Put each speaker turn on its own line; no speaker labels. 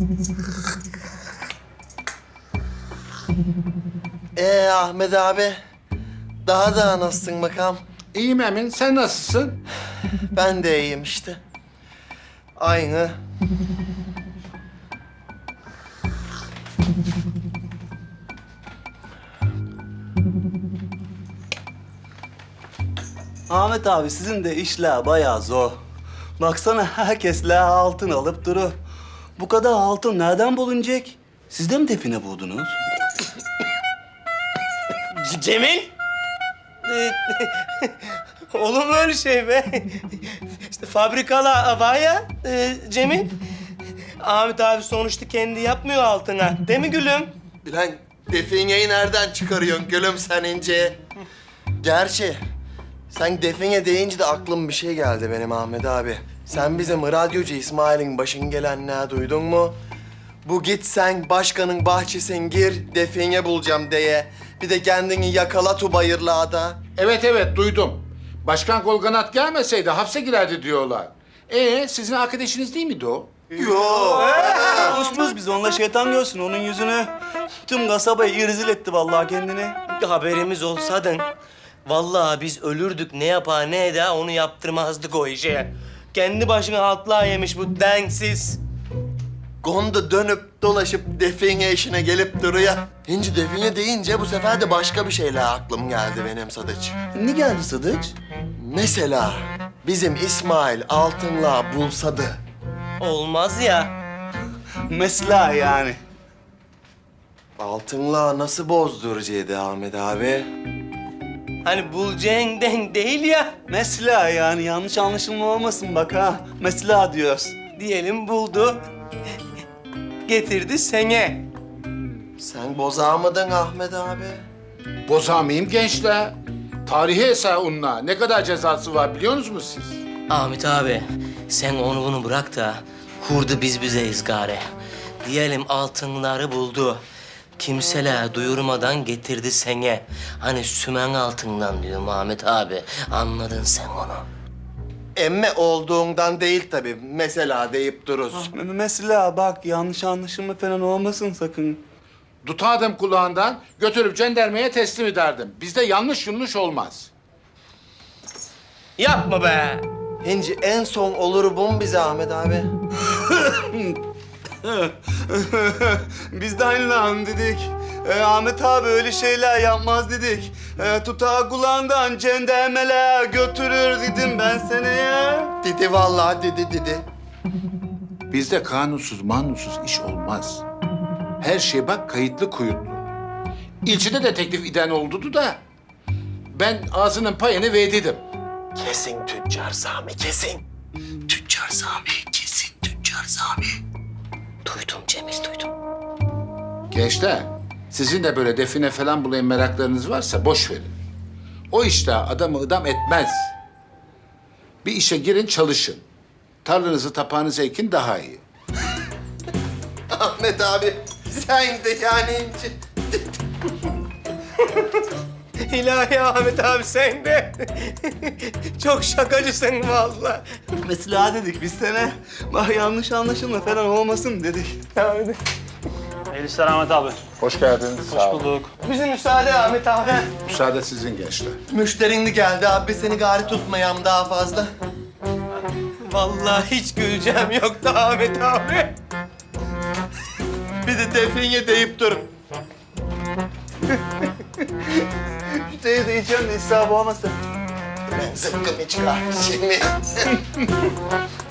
Ahmet abi, daha nasılsın bakalım?
İyiyim Emin, sen nasılsın?
Ben de iyiyim işte. Aynı.
Ahmet abi sizin de işler bayağı zor. Baksana herkesle altın alıp duru. Bu kadar altın nereden bulunacak? Siz de mi define buldunuz?
Cemil? Olur mu öyle şey be? İşte fabrikala var ya Cemil. Ahmet abi sonuçta kendi yapmıyor altına. Değil mi gülüm?
Bilen defineyi nereden çıkarıyorsun gülüm sen ince? Gerçi sen define deyince de aklıma bir şey geldi benim Ahmet abi. Sen bizim radyocu İsmail'in başın gelenler duydun mu? Bu git sen başkanın bahçesine gir, define bulacağım diye. Bir de kendini yakala tubayırlağda.
Evet, duydum. Başkan Golganat gelmeseydi hapse girerdi diyorlar. Sizin arkadaşınız değil miydi o?
Yo.
Konuşmuz biz onunla, şeytan görsün onun yüzünü. Tüm kasabayı irzil etti vallahi kendini.
Haberimiz olsaydın vallahi biz ölürdük, ne yapar ne eder onu yaptırmazdık o işe. Kendi başına altlığa yemiş bu densiz.
Gonda dönüp dolaşıp define işine gelip duruyor. Hinci define deyince bu sefer de başka bir şeyle aklım geldi benim Sadıç.
Ne geldi Sadıç?
Mesela bizim İsmail altınla bulsadı.
Olmaz ya.
Mesela yani.
Altınla nasıl bozduracaktı Ahmet abi?
Hani bulacağın denk değil ya.
Mesela yani, yanlış anlaşılma olmasın bak ha. Mesela diyoruz.
Diyelim buldu. Getirdi sene.
Sen bozamadın Ahmet abi.
Bozamayayım gençler. Tarihi eser onunla. Ne kadar cezası var biliyor musunuz siz?
Ahmet abi sen onu bunu bırak da kurdu biz bizeyiz gari. Diyelim altınları buldu. Kimseler duyurmadan getirdi sene. Hani sümen altından diyorum Ahmet abi. Anladın sen onu.
Emme olduğundan değil tabii. Mesela deyip duruz.
Mesela bak, yanlış anlaşılma falan olmasın sakın.
Tutardım kulağından, götürüp jandarmaya teslim ederdim. Bizde yanlış olmaz.
Yapma be.
Hinci en son olur bu mu bize Ahmet abi?
Biz de aynı lan dedik. Ahmet abi öyle şeyler yapmaz dedik. Tutar kulağından cendermeler götürür dedim ben sana ya.
Dedi vallahi dedi.
Bizde kanunsuz manunsuz iş olmaz. Her şey bak kayıtlı kuyutlu. İlçede de teklif eden oldu da ben ağzının payını verdiydim.
Kesin Tüccar Sami, kesin. Tüccar Sami, kesin Tüccar Sami.
Duydum Cemil duydum.
Gençler, sizin de böyle define falan bulayım meraklarınız varsa boş verin. O işte adamı ıdam etmez. Bir işe girin çalışın. Tarlanızı tapağınızı ekin daha iyi.
Ahmet abi, sen de yani Hinci.
İlahi Ahmet abi sen de. Çok şakacısın vallahi.
Mesela dedik biz sana. Bak yanlış anlaşılma falan olmasın dedik.
Hayırlı işler Ahmet abi.
Hoş geldiniz.
Hoş bulduk.
Bize müsaade Ahmet abi.
Müsaade sizin gençler.
Müşterin de geldi abi, seni gari tutmayam daha fazla.
Vallahi hiç güleceğim yoktu Ahmet abi.
Bir de define deyip durun.
Şu teyze de içiyorum da israf olmasın.
Ben zıkkımı çıkar şimdi.